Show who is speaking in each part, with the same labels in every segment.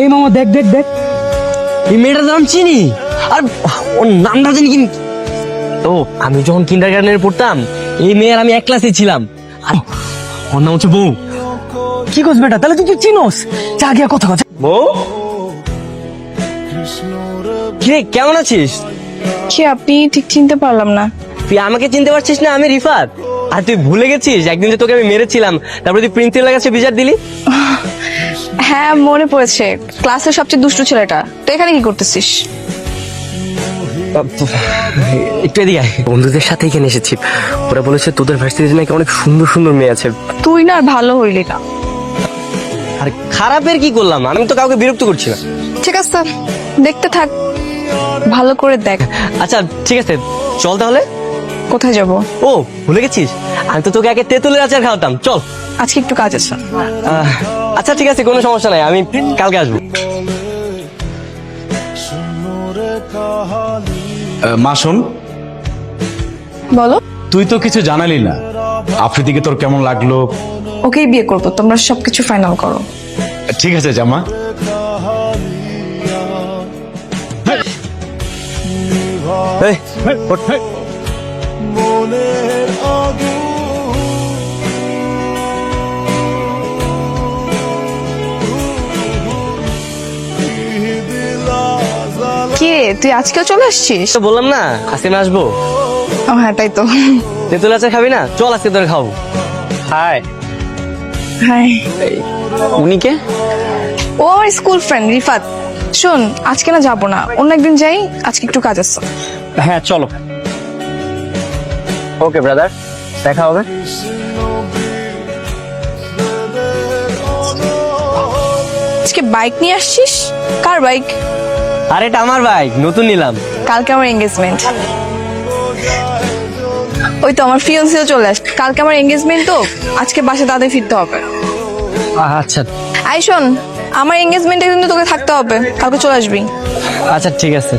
Speaker 1: এই মামা দেখ দেখ দেখ,
Speaker 2: এই মেয়েটার নাম চিনি, আর ওর নামটা জানি কি। ও আমি যখন কিন্ডারগার্টেনে পড়তাম এই মেয়ের আমি এক ক্লাসে ছিলাম, আর ওর নাম হচ্ছে বউ।
Speaker 1: কি করছ বেটা, তাহলে তুই চিনোস, যা গিয়া কথা কথা।
Speaker 2: বউ, কিরে কেমন আছিস?
Speaker 3: কি আপনি ঠিক চিনতে পারলাম না।
Speaker 2: তুই আমাকে চিনতে পারছিস না? আমি রিফাত। আর তুই ভুলে গেছিস একদিন যে তোকে আমি মেরেছিলাম, তারপরে তুই প্রিন্সিপালের কাছে বিচার দিলি।
Speaker 3: হ্যাঁ মনে পড়েছে, ক্লাসের সবচেয়ে দুষ্টু ছেলেটা। তো এখানে কি করতেছিস?
Speaker 2: একটু এদিকে আয়। বন্ধুদের সাথে এখানে এসেছি, ওরা বলেছে তোদের ভার্সিটিতে নাকি অনেক সুন্দর সুন্দর মেয়ে আছে।
Speaker 3: তুই না আর ভালো হইলি না।
Speaker 2: আর খারাপের কি করলাম? আমি তো কাউকে বিরক্ত করছি না।
Speaker 3: ঠিক আছে দেখতে থাক, ভালো করে দেখ।
Speaker 2: আচ্ছা ঠিক আছে, চল তাহলে।
Speaker 3: কোথায় যাব?
Speaker 2: ও ভুলে গেছিস, আমি তো তোকে আগে তেঁতুলের আচার খাওয়াতাম। চল।
Speaker 3: আজকে একটু কাজ আছে।
Speaker 2: আচ্ছা ঠিক আছে, কোনো সমস্যা নাই, আমি কালকে আসবো।
Speaker 4: মা শোন,
Speaker 3: বলো।
Speaker 4: তুই তো কিছু জানালি না, আফ্রিদিকে তোর কেমন লাগলো?
Speaker 3: ওকেই বিয়ে করবো, তোমরা সবকিছু ফাইনাল করো।
Speaker 4: ঠিক আছে জামা।
Speaker 2: এই, ওঠ।
Speaker 3: কি রে, তুই আজকেও চলে আসছিস?
Speaker 2: তো বললাম না আজকে আমি আসবো।
Speaker 3: ও হ্যাঁ তাই তো।
Speaker 2: তেঁতুল আচার খাবি না? চল আজকে তোরে খাবো। হাই।
Speaker 3: হাই।
Speaker 2: উনি কে?
Speaker 3: ও আমার স্কুল ফ্রেন্ড রিফাত। শোন, আজকে না যাবো না, অন্য একদিন যাই, আজকে একটু কাজ আছে।
Speaker 2: হ্যাঁ চলো। ওকে ব্রাদার, দেখা হবে।
Speaker 3: আজকে বাইক নিয়ে আসছিস? কার বাইক?
Speaker 2: আর এটা আমার বাইক, নতুন নিলাম।
Speaker 3: কালকে আমার এঙ্গেজমেন্ট। ওই তো আমার ফিয়ান্সিও চলে আসছে, কালকে আমার এঙ্গেজমেন্ট, তো আজকে বাসা তাদের ফিরতে হবে।
Speaker 2: আচ্ছা
Speaker 3: আই শোন, আমার এঙ্গেজমেন্টে কিন্তু তোকে থাকতে হবে, কালকে চলে আসবি।
Speaker 2: আচ্ছা ঠিক আছে।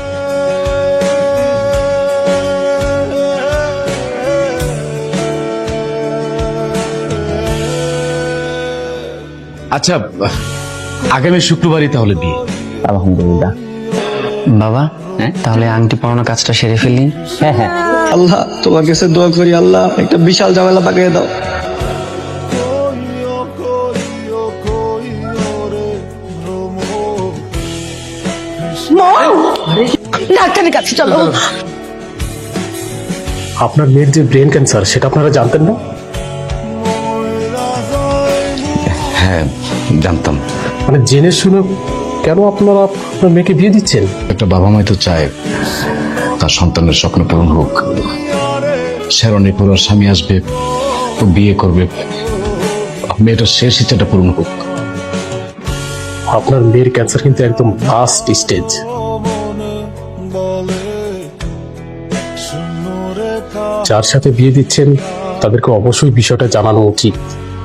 Speaker 4: আচ্ছা আগামী শুক্রবারই তাহলে বিয়ে।
Speaker 2: আলহামদুলিল্লাহ।
Speaker 5: বাবা, তাহলে আংটি পরানোর কাজটা সেরে ফেললি?
Speaker 2: হ্যাঁ হ্যাঁ।
Speaker 6: আল্লাহ তোমার কাছে দোয়া করি, আল্লাহ একটা বিশাল ঝামেলা পাকিয়ে দাও।
Speaker 3: ডাক্তারের কাছে চলো।
Speaker 7: আপনার মেয়ের যে ব্রেন ক্যান্সার সেটা আপনারা জানতেন না?
Speaker 4: হ্যাঁ জানতাম।
Speaker 7: মানে জেনে শুনে কেন আপনারা আপনার মেয়েকে বিয়ে দিচ্ছেন?
Speaker 4: একটা বাবা মাই তো চায় তার সন্তানের স্বপ্ন পূরণ হোক। শেরনের পর স্বামী আসবে, ও বিয়ে করবে, মেয়েটার শেষ ইচ্ছাটা পূরণ হোক।
Speaker 7: আপনার মেয়ের ক্যান্সার কিন্তু একদম লাস্ট স্টেজ। যার সাথে বিয়ে দিচ্ছেন তাদেরকে অবশ্যই বিষয়টা জানানো উচিত।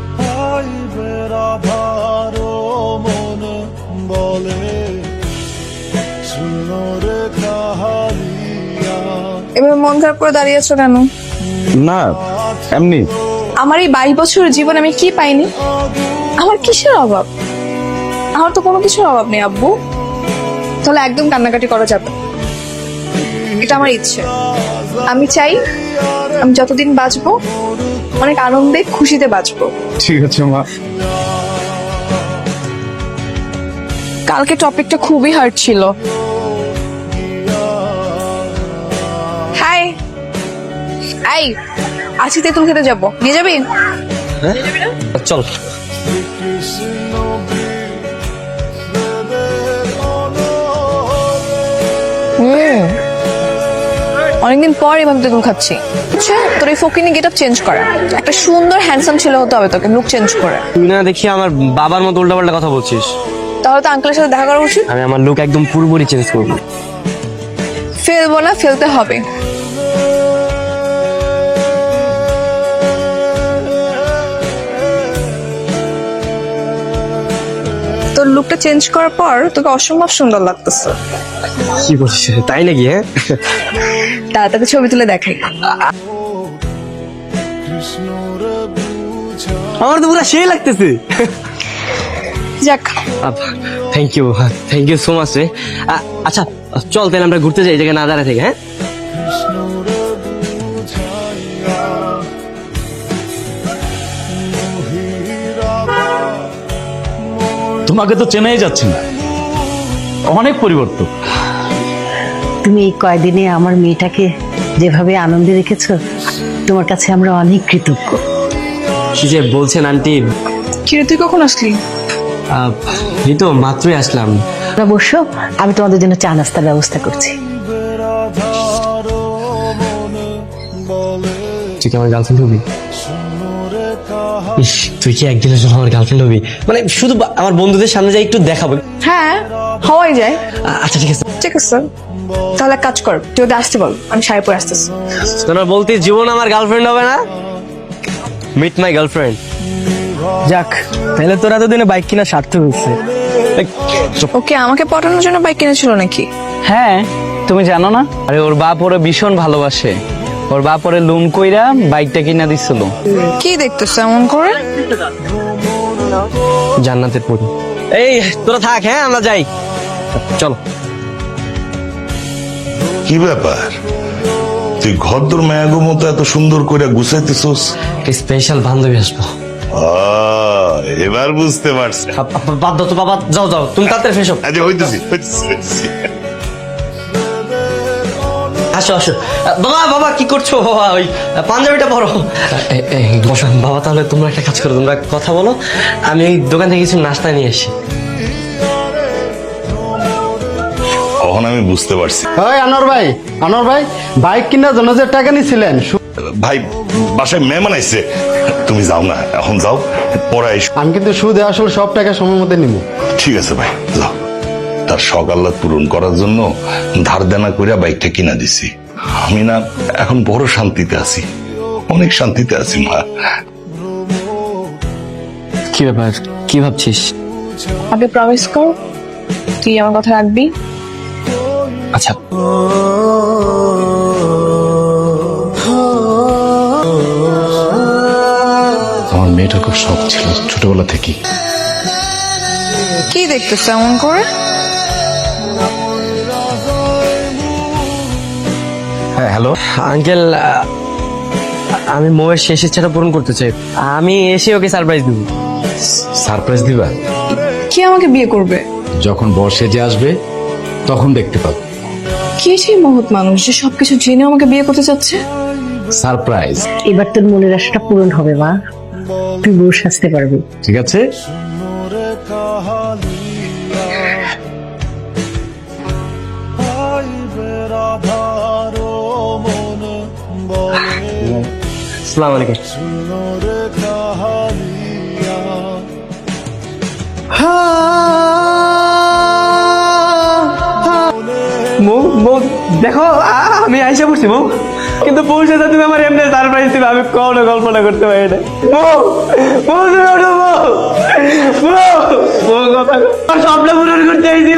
Speaker 3: এবার মন খারাপ করে দাঁড়িয়েছো কেন?
Speaker 4: না এমনি।
Speaker 3: আমার এই 22 বছরের জীবন আমি কি পাইনি? আমার কিসের অভাব? আমার তো কোনো কিছুর অভাব নেই আব্বু। তাহলে একদম কান্নাকাটি করা যাবে না। এটা আমার ইচ্ছে। আমি চাই আমি যতদিন বাঁচবো অনেক আনন্দে খুশিতে বাঁচবো।
Speaker 4: ঠিক আছে মা।
Speaker 3: কালকে টপিকটা খুবই হার্ড ছিল। হাই, আই আজকে তেঁতুল খেতে যাবো, নিয়ে যাবি?
Speaker 2: চল।
Speaker 3: অনেকদিন পর এভাবে তেঁতুল খাচ্ছি। আচ্ছা তোর এই ফকিনি গেট আপ চেঞ্জ করা, একটা সুন্দর হ্যান্ডসাম ছেলে হতে হবে তোকে, লুক চেঞ্জ করে।
Speaker 2: তুই না দেখি আমার বাবার মতো উল্টাপাল্টা কথা বলছিস।
Speaker 3: তাহলে তো আঙ্কেলের সাথে দেখা করা উচিত।
Speaker 2: আমি আমার লুক একদম পুরোপুরি চেঞ্জ করবো।
Speaker 3: ফেলবো না, ফেলতে হবে। তোর লুকটা চেঞ্জ করার পর তোকে অসম্ভব সুন্দর লাগতেছে।
Speaker 2: কি বলছিস? তাই নাকি? হ্যাঁ
Speaker 3: তাড়াতাড়ি ছবি তুলে দেখাই।
Speaker 2: আমার তো পুরো সেই লাগতেছে।
Speaker 3: যাক,
Speaker 2: থ্যাংক ইউ সো মাচ রে। আচ্ছা চল তাহলে আমরা ঘুরতে যাই, এই জায়গায় না দাঁড়ায় থেকে। হ্যাঁ
Speaker 4: তোমাকে তো চেনাই যাচ্ছে না, অনেক পরিবর্তন।
Speaker 8: তুমি এই কয়দিনে আমার মেয়েটাকে যেভাবে আনন্দে রেখেছো, তোমার কাছে আমরা অনেক কৃতজ্ঞ।
Speaker 2: কি যে বলছেন আন্টি,
Speaker 3: কিরে তুই কখন আসলি?
Speaker 2: এই তো মাত্রই আসলাম।
Speaker 8: তোমরা বসো, আমি তোমাদের জন্য চা নাস্তার ব্যবস্থা করছি।
Speaker 2: তুই কি আমার গার্লফ্রেন্ড হবি? ইস, তুই কি একদিনের জন্য আমার গার্লফ্রেন্ড হবি? মানে শুধু আমার বন্ধুদের সামনে যাই একটু দেখাবো।
Speaker 3: হ্যাঁ, হওয়াই যায়।
Speaker 2: আচ্ছা ঠিক আছে।
Speaker 3: ঠিক আছে, তাহলে এক কাজ কর, তুই ওদের আসতে বল, আমি শাড়ি পরে আসতেছি।
Speaker 2: তোরা বলতে জীবন আমার গার্লফ্রেন্ড হবে না? Meet my girlfriend.
Speaker 1: যাক, তাহলে তোরা এতদিনে বাইক কিনা সার্থক হয়েছে।
Speaker 3: ওকে আমাকে পটানোর জন্য বাইক কিনেছিল নাকি?
Speaker 5: হ্যাঁ, তুমি জানো না? আরে ওর বাপ ওরে ভীষণ ভালোবাসে, ওর বাপ ওরে লোন কইরা বাইকটা কিনা দিছিল।
Speaker 3: কি দেখতেছ এমন করে?
Speaker 2: জান্নাতের পরি। এই তোরা থাক, হ্যাঁ আমরা যাই, চলো।
Speaker 9: কি ব্যাপার, তুই ঘরদোর মায়াগো মতো এত সুন্দর করে গুছাইতেছস?
Speaker 2: স্পেশাল বান্ধবী আসবো।
Speaker 9: এবার বুঝতে পারছি।
Speaker 2: বাদ দাও তো বাবা, যাও যাও তুমি তাড়াতাড়ি ফ্রেশ হও।
Speaker 9: আচ্ছা হইতেছি।
Speaker 2: আসো আসো। বাবা বাবা কি করছো বাবা? ওই পাঞ্জাবিটা পরো। বসো বাবা, তাহলে তোমরা একটা কাজ করো, তোমরা কথা বলো, আমি ওই দোকান থেকে কিছু নাস্তা নিয়ে আসি।
Speaker 9: তখন আমি বুঝতে পারছি।
Speaker 6: ওই আনোয়ার ভাই, বাইক কেনার জন্য যে টাকা নিছিলেন,
Speaker 9: ভাই বাসায় মেহমান আইছে, তুমি যাও না, এখন যাও, পরে আইস।
Speaker 6: আমি কিন্তু সুদে আসল সব টাকা সময় মতো নিব।
Speaker 9: ঠিক আছে ভাই, যাও। তার শখ আহ্লাদ পূরণ করার জন্য ধার দেনা কইরা বাইকটা কিনা দিছি। আমি না এখন বড় শান্তিতে আছি, অনেক শান্তিতে আছি মা।
Speaker 5: কি ব্যাপার, কি ভাবছিস?
Speaker 3: আগে প্রমিস কর তুই আমার কথা রাখবি।
Speaker 2: আচ্ছা
Speaker 4: আমার মেয়েটার খুব শখ ছিল ছোটবেলা থেকে।
Speaker 3: কি দেখতেছ এমন করে?
Speaker 4: হ্যাঁ হ্যালো
Speaker 2: আঙ্কেল, আমি মোয়ের শেষ ইচ্ছাটা পূরণ করতে চাই, আমি এসে ওকে সারপ্রাইজ দিব।
Speaker 4: সারপ্রাইজ দিবা?
Speaker 3: কি আমাকে বিয়ে করবে?
Speaker 4: যখন বর্ষে যে আসবে তখন দেখতে পাবো।
Speaker 3: কে সেই মহৎ মানুষ যে সবকিছু জেনে আমাকে বিয়ে করতে চাচ্ছে?
Speaker 4: সারপ্রাইজ।
Speaker 8: এবার তোর মনের আশাটা পূরণ হবে মা, তুই বউ সাজতে পারবি।
Speaker 4: ঠিক আছে।
Speaker 2: আসসালামু আলাইকুম। দেখো আমি আইসা পড়ছি বউ, কিন্তু বউ সাথে তুমি আমার এমনি সারপ্রাইজ দিবে, আমি কোনো কল্পনা করতে পারি না। বউ বউ তুমি ওঠো, বউ বউ বউ কথা স্বপ্ন পূরণ করতে আইছি